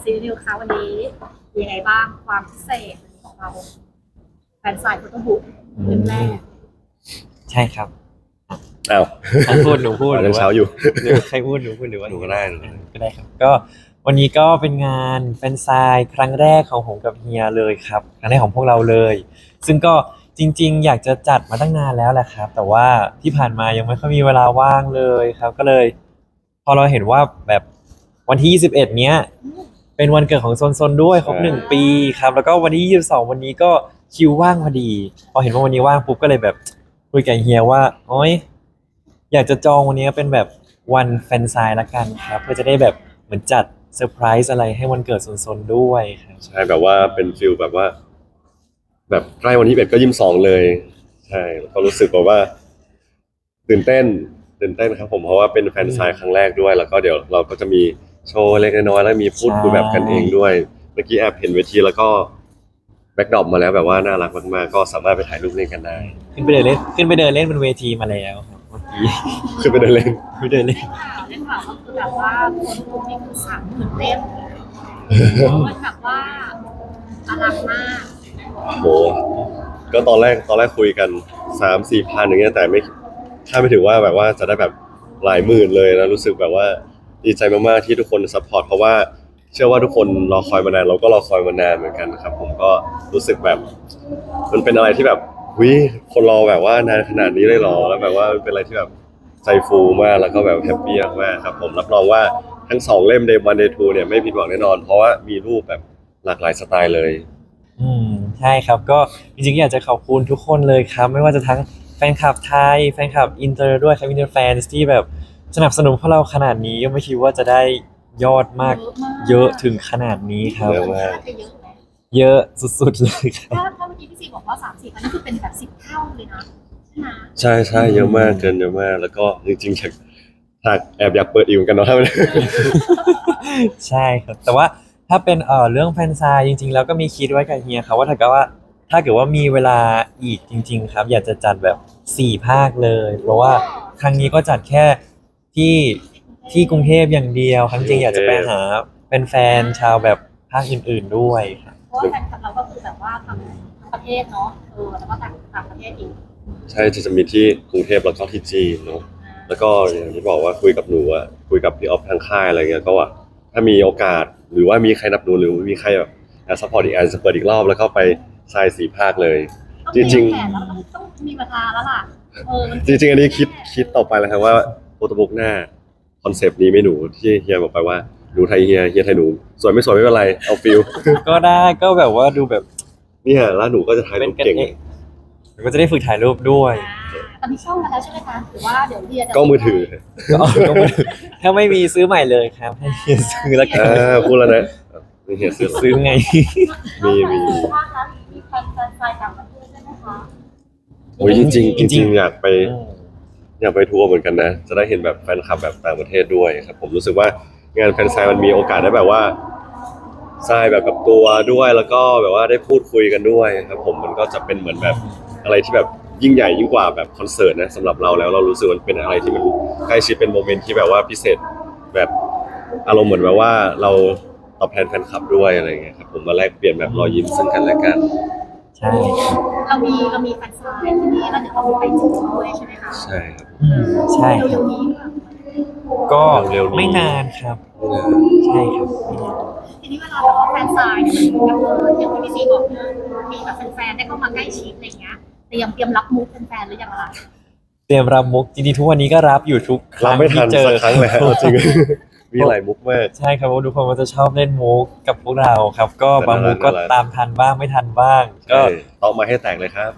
ซีรีส์ค่ะวันนี้มียังไงบ้างความพิเศษของเราแฟนสายโฟโต้บุ๊กเล่มแรกใช่ครับอ้าวใครพูดหนูพูดหรืยัอง ว่าเช้าอยู่หรือใครพูดหนูพูดหรือว่าหนูก็ได้ก็ได้ครับก็วันนี้ก็เป็นงานแฟนไซน์ครั้งแรกของผมกับเฮียเลยครับครั้งแรกของพวกเราเลย ซึ่งก็จริงๆอยากจะจัดมาตั้งนานแล้วแหละครับแต่ว่าที่ผ่านมายังไม่ค่อยมีเวลาว่างเลยครับก็เลยพอเราเห็นว่าแบบวันที่21เนี้ยเป็นวันเกิดของโซนด้วยครบ1 ปีครับแล้วก็วันที่22วันนี้ก็คิวว่างพอดีพอเห็นว่าวันนี้ว่างปุ๊บก็เลยแบบคุยกับเฮียว่าโอ๊ยอยากจะจองวันนี้เป็นแบบวันแฟนไซน์ละกันครับเพื่อจะได้แบบเหมือนจัดเซอร์ไพรส์อะไรให้วันเกิดโซนด้วยครับใช่แบบว่าเป็นฟิลแบบว่า แบบใกล้วันที่21ก็22เลยใช่แล้วก็รู้สึกแบบว่าตื่นเต้นครับผมเพราะว่าเป็นแฟนซายครั้งแรกด้วย แล้วก็เดี๋ยวเราก็จะมีโชว์เล็กน้อยแล้วมีพูดคุยแบบกันเองด้วยเมื่อกี้แอบเห็นเวทีแล้วก็แบ็คดรอปมาแล้วแบบว่าน่ารักมากๆก็สามารถไปถ่ายรูปเล่นกันได้ขึ้นไปเดินเล่นบนเวทีมาแล้วครับเมื่อกี้คือไปเดินเล่นไปเดินเล่นเล่นข่าวก็คือแบบว่าคนกลุ่มนี้คือ30,000 เล่มมันแบบว่าอลังมากโหก็ตอนแรกคุยกัน3-4 พันอย่างเงี้ยแต่ไม่คาดไม่ถึงว่าแบบว่าจะได้แบบหลายหมื่นเลยนะรู้สึกแบบว่าดีใจมากๆที่ทุกคนซัพพอร์ตเพราะว่าเชื่อว่าทุกคนรอคอยมานานเราก็รอคอยมานานเหมือนกันครับผมก็รู้สึกแบบมันเป็นอะไรที่แบบวิคนรอแบบว่านานขนาดนี้เลยเหรอแล้วแบบว่ามันเป็นอะไรที่แบบใจฟูมากแล้วก็แบบแฮปปี้มากๆครับผมรับรองว่าทั้ง2 เล่ม Day 1 Day 2เนี่ยไม่ผิดหวังแน่นอนเพราะว่ามีรูปแบบหลากหลายสไตล์เลยอืมใช่ครับก็จริงๆอยากจะขอบคุณทุกคนเลยครับไม่ว่าจะทั้งแฟนคลับไทยแฟนคลับอินเตอร์ด้วยครับอินเตอร์แฟนที่แบบสนับสนุนพวกเราขนาดนี้ก็ไม่คิดว่าจะได้ยอดมากเยอะถึงขนาดนี้ครับเยอะมากจะเยอะไหมเยอะสุดๆเลยครับถ้าเมื่อกี้พี่ซีบอกว่า30,000นี่คือเป็นแบบ10 เท่าเลยนะใช่ไหมใช่เยอะมากเกินเยอะมากแล้วก็จริงๆอยากแอบอยากเปิดอีกเหมือนกันเนาะใช่ครับแต่ว่าถ้าเป็นเรื่องแฟนซายจริงๆแล้วก็มีคิดไว้กับเฮียครับว่าถ้าเกิดว่ามีเวลาอีกจริงๆครับอยากจะจัดแบบ4 ภาคเลย เพราะว่าครั้งนี้ก็จัดแค่ที่กรุงเทพอย่างเดียวครั้งจริงอยากจะไปหาเป็นแฟนๆชาวแบบภาคอื่นๆด้วยครับเพราะว่าแฟนคลับเราก็คือแบบว่าทั้งประเทศเนาะแล้วก็ต่างประเทศอีกใช่จะมีที่กรุงเทพแล้วก็ที่จีนเนาะแล้วก็อย่างที่บอกว่าคุยกับหนูอะคุยกับพี่ออฟทางค่ายอะไรเงี้ยก็ว่าถ้ามีโอกาสหรือว่ามีใครนับหนูหรือมีใครแบบอยากซัพพอร์ตอีกอันจะเปิดอีกรอบแล้วก็ไปทราย4 ภาคเลย จริงแผนแล้วต้องมีเวลาแล้วล่ะมันๆจริงๆอันนี้คิดต่อไปแล้วครับว่าโฟโต้บุ๊กหน้าคอนเซปต์นี้ไม่หนูที่เฮียบอกไปว่าหนูไทยเฮียไทยหนูสวยไม่สวยไม่เป็นไรเอาฟิลก็ได้ก็แบบว่าดูแบบเนี่ยแล้วหนูก็จะถ่ายเป็รูนปกันเก่งเองแล้วก็จะได้ฝึกถ่ายรูปด้วยตอนนี้ช่องมาแล้วใช่ไหมคะหรือว่าเดี๋ยวเรียจะก็มือถือก็ไม่ถ้าไม่มีซื้อใหม่เลยครับให้เฮียซื้อแล้วกันพูดแล้วนะนี่เฮียซื้อซื้อไงมีภาคแล้วมีแฟนไซต่างประเทศใช่ไหมคะโอ้ยจริงๆจริงๆจริงๆอยากไปทัวร์เหมือนกันนะ จะได้เห็นแบบแฟนคลับแบบต่างประเทศด้วยครับผมรู้สึกว่างานแฟนไซน์มันมีโอกาสได้แบบว่าทรายแบบกับตัวด้วยแล้วก็แบบว่าได้พูดคุยกันด้วยครับผมมันก็จะเป็นเหมือนแบบอะไรที่แบบยิ่งใหญ่ยิ่งกว่าแบบคอนเสิร์ตนะสำหรับเราแล้วเรารู้สึกมันเป็นอะไรที่มันใกล้ชิดเป็นโมเมนต์ที่แบบว่าพิเศษแบบอารมณ์เหมือนแบบว่าเราตอบแทนแฟนคลับด้วยอะไรอย่างเงี้ยครับผมมาแลกเปลี่ยนแบบรอยยิ้มซึ่งกันและกันใช่ครับเรามีแฟนไซที่นี้แล้วเดี๋ยวเรามีไปจีนด้วยใช่ไหมคะใช่ครับใช่คเร็รับวๆนี้ก็เร็วๆนี้ไม่นานครับ ใช่ครับไม่นานทีนี้เวลาแบบว่าแฟนไซน์เนี่ยมันอย่างที่พี่ซีบอกเนี่ยมีแบบแฟนๆได้เข้ามาใกล้ชิดอะไรเงี้ยเตรียมรับมุกแฟนๆหรือยังล่ะเตรียมรับมุกจริงๆทุกวันนี้ก็รับอยู่ทุกคเรารั้งไม่ทัที่นเจอสักครั้งเลยฮะจริง มีหลายมุกมากใช่ครับเพราะทุกคนก็จะชอบเล่นมุกกับพวกเราครับ ก็บางมุกก็น่ารักตามทันบ้างไม่ทันบ้าง ก็ก็ต้องมาให้แตกเลยครับ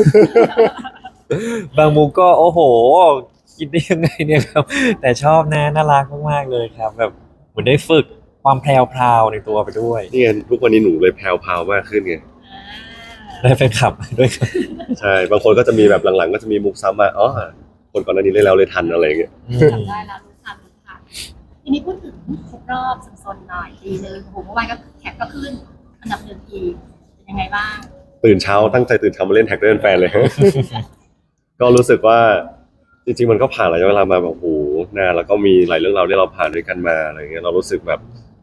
บางมุกก็โอ้โห คิดได้ยังไงเนี่ยครับ แต่ชอบนะน่ารักมากๆเลยครับ แบบเหมือนได้ฝึกความแพรวๆในตัวไปด้วยนี่ไงทุกวันนี้หนูเลยแพรวๆมากขึ้นไงได้แฟนคลับด้วยครับใช่ บางคนก็จะมีแบบหลังๆ ก็จะมีมุกซ้ำมาอ๋อคนก่อนหน้านี้เล่นแล้วเลยทันอะไรอย่างเงี้ยอืมจำได้แล้วรู้ทันทีนี้พูดถึงครบรอบสนๆหน่อยปีนึงโอ้โหเมื่อวานก็แท็กก็ขึ้นอันดับ1อีกเป็นยังไงบ้างตื่นเช้าตั้งใจตื่นเช้ามาเล่นแท็กเล่นแฟนเลย ก็รู้สึกว่าจริงๆมันก็ผ่านระยะเวลามาแบบโอ้โหนานแล้วก็มีหลายเรื่องราวที่เราผ่านด้วยกันมาอะไรเงี้ยเรารู้สึกแบบ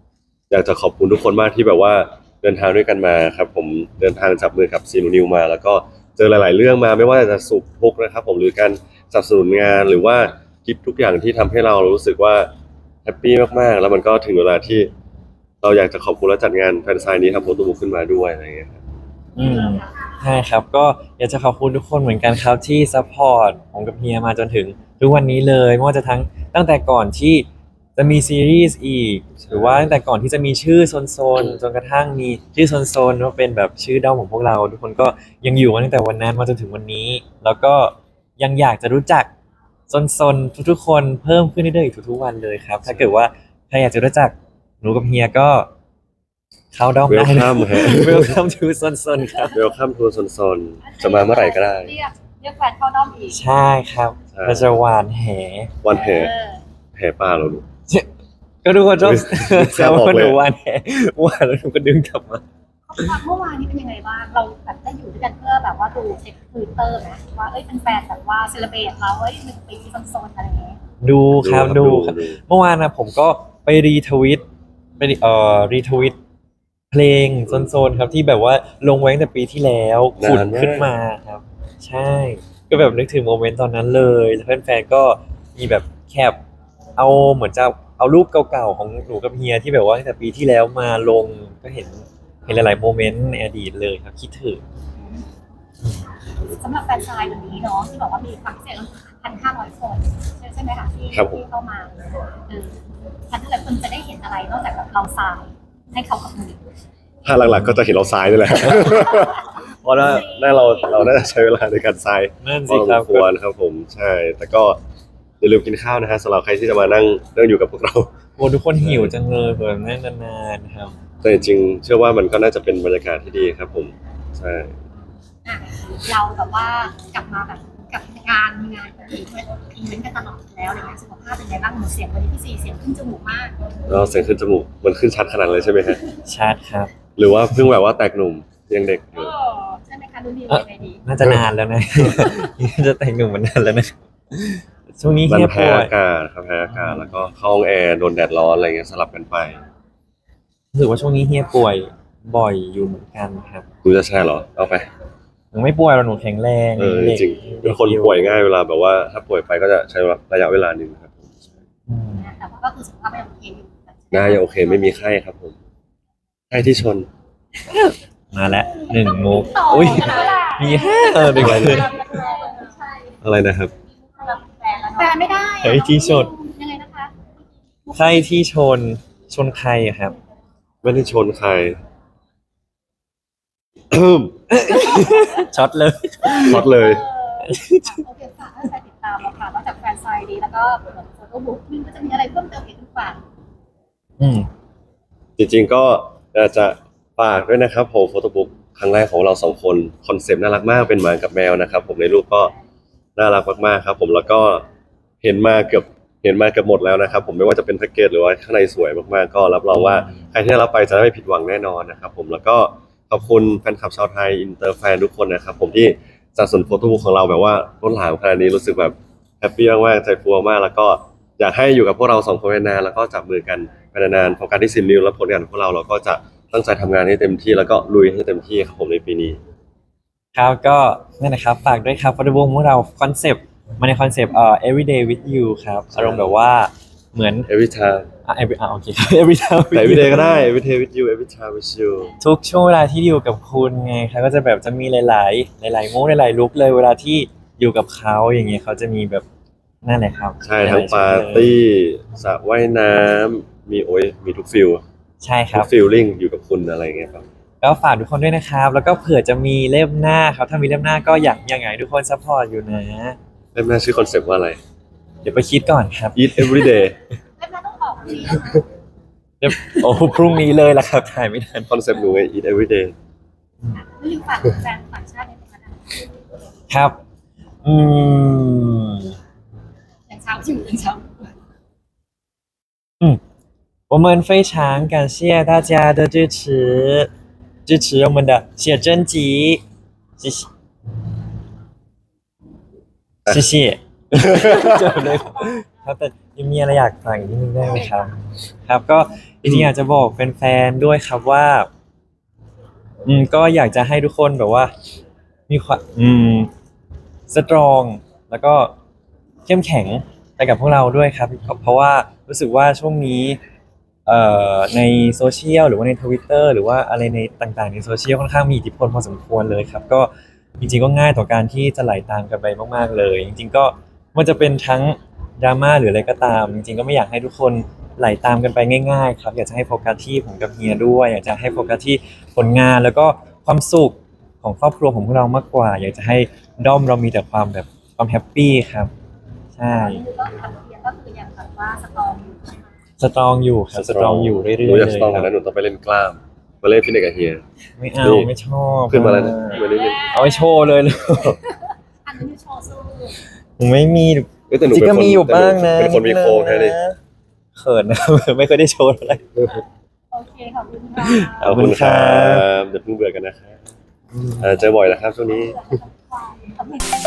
อยากจะขอบคุณทุกคนมากที่แบบว่าเดินทางด้วยกันมาครับผมเดินทางจับมือกับซีนูนิวมา แล้วก็เจอหลาย ๆ เรื่องมาไม่ว่าจะสุขทุกข์นะครับผมหรือการสนับสนุนงานหรือว่าคลิปทุกอย่างที่ทำให้เรารู้สึกว่าแฮปปี้มาก ๆ แล้วมันก็ถึงเวลาที่เราอยากจะขอบคุณและจัดงานแฟนไซน์นี้ทำโฟโต้บุ๊กขึ้นมาด้วยอะไรอย่างเงี้ยครับอืมใช่ครับก็อยากจะขอบคุณทุกคนเหมือนกันครับที่ซัพพอร์ตผมกับเฮียมาจนถึงทุกวันนี้เลยไม่ว่าจะตั้งแต่ก่อนที่จะมีซีรีส์อีกหรือว่าตั้งแต่ก่อนที่จะมีชื่อโซนจนกระทั่งมีชื่อโซนว่าเป็นแบบชื่อด้อมของพวกเรา ทุกคนก็ยังอยู่มาตั้งแต่วันนั้นมาจนถึงวันนี้ แล้วก็ยังอยากจะรู้จักโซนทุกๆคนเพิ่มขึ้นเรื่อยๆอีกทุกๆวันเลยครับถ้าเกิดว่าใครอยากจะรู้จักหนูกับเฮียก็เข้าด้อมได้นะ Welcome ฮะ Welcome to โซนครับเวลคัมทัวร์โซนจะมาเมื่อไหร่ก็ได้เรียกแฟนเข้าด้อมอีกใช่ครับใช่เราจะหวานแหวันแห่เออแห่ป้าเราดูก็ทุกคนชอบไม่แซวออกว่าเลยหนูหวานแหหวานแล้วหนูก็ดึงกลับมาเมื่อวานนี้เป็นยังไงบ้างเราแบบได้อยู่ด้วยกันเพื่อแบบว่าดูเช็คทวิตเตอร์นะว่าเอ้ยเป็นแฟนแบบว่าเซเลบรตเราเอ้ย1 ปีโซนๆอะไรอย่างเงี้ยดูครับดูครับ เมื่อวานนะผมก็ไปรีทวิตไปรีทวิตเพลงโซนครับที่แบบว่าลงไว้ตั้งแต่ปีที่แล้วขุดนานมากขึ้นมาครับ ใช่ ก็แบบนึกถึงโมเมนต์ตอนนั้นเลยแล้วแฟนๆก็มีแบบแคปเอาเหมือนจะเอารูปเก่าๆของหนูกับเฮียที่แบบว่าตั้งแต่ปีที่แล้วมาลงก็เห็นหลายๆโมเมนต์ในอดีตเลยครับคิดถึงสำหรับแฟนชายวันนี้เนาะที่บอกว่ามีความพิเศษ1,500 คนใช่ไหมคะที่ครับผมที่เข้ามา1,500 คนจะได้เห็นอะไรนอกจากแบบเราทรายให้เขากับมือถ้าหลักๆก็จะเห็นเราซ้ายนี่แหละ เพราะว่าเราน่าจะใช้เวลาในการซ้ายนั่นพสิอครับสมควรครับผมใช่ แต่ก็อย่าลืมกินข้าวนะฮะสำหรับใครที่จะมานั่งอยู่กับพวกเราโอ้ทุกคนหิวจังเลยเผื่อนั่งนานๆครับแต่จริงๆเชื่อว่ามันก็น่าจะเป็นบรรยากาศที่ดีครับผมใช่อ่ะเราแบบว่ากลับมาแบบกับงานมีงานอีเวนต์กันตลอดแล้วอะไรเงี้ยสุขภาพเป็นไงบ้างหนูเสียงวันนี้พี่ซีเสียงขึ้นจมูกมากแล้วเสียงขึ้นจมูกมันขึ้นชัดขนาดเลยใช่ไหมฮะชัดครับหรือว่าเพิ่งแบบว่าแตกหนุ่มยังเด็กอยู่ใช่ไหมคะดูดียังไงดีน่าจะนานแล้วนะ จะแต่งหนุ่มมานานแล้วนะช่วงนี้มันเฮียแพ้ป่วยอากาศครับแพ้อากาศแล้วก็เข้าห้องแอร์โดนแดดร้อนอะไรเงี้ยสลับกันไปรู้สึกว่าช่วงนี้เฮียป่วยบ่อยอยู่เหมือนกันครับคุณจะแชร์เหรอเอาไปหนูไม่ป่วยหรอกหนูแข็งแรงจเด็กริงๆเป็นคนป่วยง่ายเวลาแบบว่าถ้าป่วยไปก็จะใช้ระยะเวลาหนึ่งครับผมอืมแต่ว่าก็คือสุขภาพยังโอเคอยู่น่าจะโอเคไม่มีไข้ครับผมไข้ที่ชนมาแล้ว1 มุกต่ออุ้ยกันแล้วล่ะมี5เด็กเลยใช่อะไรนะครับแฟนไม่ได้เฮ้ยที่ชนยังไงนะคะใครที่ชนใครอะครับไม่ได้ชนใครช็อตเลยช็อตเลยโอเคฝากให้ใครติดตามเราค่ะนอกจากแฟนไซด์ดีแล้วก็โฟโต้บุ๊กมันก็จะมีอะไรเพิ่มเติมอีกหรือเปล่าอืมจริงๆก็อยากจะฝากด้วยนะครับผมโฟโต้บุ๊กครั้งแรกของเราสองคนคอนเซปต์น่ารักมากเป็นหมากับแมวนะครับผมในรูปก็น่ารักมากๆครับผมแล้วก็เห็นมาเกือบหมดแล้วนะครับผมไม่ว่าจะเป็นแพ็กเกจหรือว่าข้างในสวยมากๆก็รับรองว่าใครที่ได้รับไปจะไม่ผิดหวังแน่นอนนะครับผมแล้วก็ขอบคุณแฟนคลับชาวไทยอินเตอร์แฟนทุกคนนะครับผมที่สนับสนุนโฟโต้บุ๊กของเราแบบว่าล้นหลามขนาดนี้รู้สึกแบบแฮปปี้มากๆใจฟูมากๆแล้วก็อยากให้อยู่กับพวกเราสองคนนานๆแล้วก็จับมือกันไปนานๆโฟกัสที่10 นิ้วและผลงานของพวกเราก็จะตั้งใจทำงานให้เต็มที่แล้วก็ลุยให้เต็มที่ครับผมในปีนี้ครับก็นั่นนะครับฝากด้วยครับฟอร์ดวงพวกเราคอนเซปต์มาในคอนเซปต์everyday with you ครับอารมณ์แบบว่าเหมือน every time โอเค every time with แต่ you every day ก็ได้ every day with you every time with you ทุกช่วงเวลาที่อยู่กับคุณไงครับก็จะแบบจะมีหลายๆมูดหลายๆลุคเลยเวลาที่อยู่กับเขาอย่างเงี้ยเขาจะมีแบบนั่นแหละครับใช่ทั้งปาร์ตี้สระว่ายน้ำมีทุกฟิลใช่คทุรับกฟิลลิ่งอยู่กับคุณอะไรอย่างเงี้ยครับก็ฝากทุกคนด้วยนะครับ แล้วก็เผื่อจะมีเล่มหน้าครับถ้ามีเล่มหน้าก็อยากให้ทุกคนซัพพอร์ตอยู่นะเล่มหน้าชื่อคอนเซปต์ว่าอะไรเดี๋ยวไปคิดก่อนครับ eat every day เล่มนั้นต้องออกดีเดี๋ยวโอ้พรุ่งนี้เลยละครับถ่ายไม่ทันคอนเซปต์หนูไง eat every day ไม่ลืมฝากแฟนต่างชาติด้วยนะคะครับ อืมอย่างเช้าอยู่อย่างเช้า我们非常感谢大家的支持我们的写真集，谢谢，谢谢，就เลยครับแต่ยังมีอะไรอยากฝากอีกนิดนึงได้ไหมครับ ครับก็จริงๆอยากจะบอกแฟนๆด้วยครับว่าก็อยากจะให้ทุกคนแบบว่ามีความสตรองแล้วก็เข้มแข็งไปกับพวกเราด้วยครับเพราะว่ารู้สึกว่าช่วงนี้ในโซเชียลหรือว่าใน Twitter หรือว่าอะไรในต่างๆในโซเชียลค่อนข้างมีอิทธิพลพอสมควรเลยครับก็จริงๆก็ง่ายต่อการที่จะไหลตามกันไปมากๆเลย จริงๆก็มันจะเป็นทั้งดราม่าหรืออะไรก็ตามจริงๆก็ไม่อยากให้ทุกคนไหลตามกันไปง่ายๆครับอยากจะให้โฟกัสที่ผมกับเฮียด้วยอยากจะให้โฟกัสที่ผลงานแล้วก็ความสุขของครอบครัวของพวกเรามากกว่า อยากจะให้ด้อมเรามีแต่ความแบบความแฮปปี้ครับใช่ก็ทางเรียนก็คือยังแบบว่าสตรองอยู่สตรองอยู่ครับสตรองอยู่เรื่อยๆหนูอยากเลสยตรองคกรัว่าบนั้นหนูต้องไปเล่นกล้ามมาเล่นฟิตเนสกับเฮียไม่เอานี่ไม่ชอบขึ้นมาแล้วนะมาเล่นเอาไปโชว์เลยเลยอันนี้คือโชว์สู้ผมไม่มีเอ้ยแต่หนูจริงเป็นก็คนมีอยู่บ้างนะเป็นคนมีโครงแค่นี้เขินนะ ไม่เคอยได้โชว์อะไรโอเคขอบคุณค่ะขอบคุณครับอย่าเพิ่งเบื่อกันนะครับเจอบ่อยนะครับช่วงนี้ขอบคุณ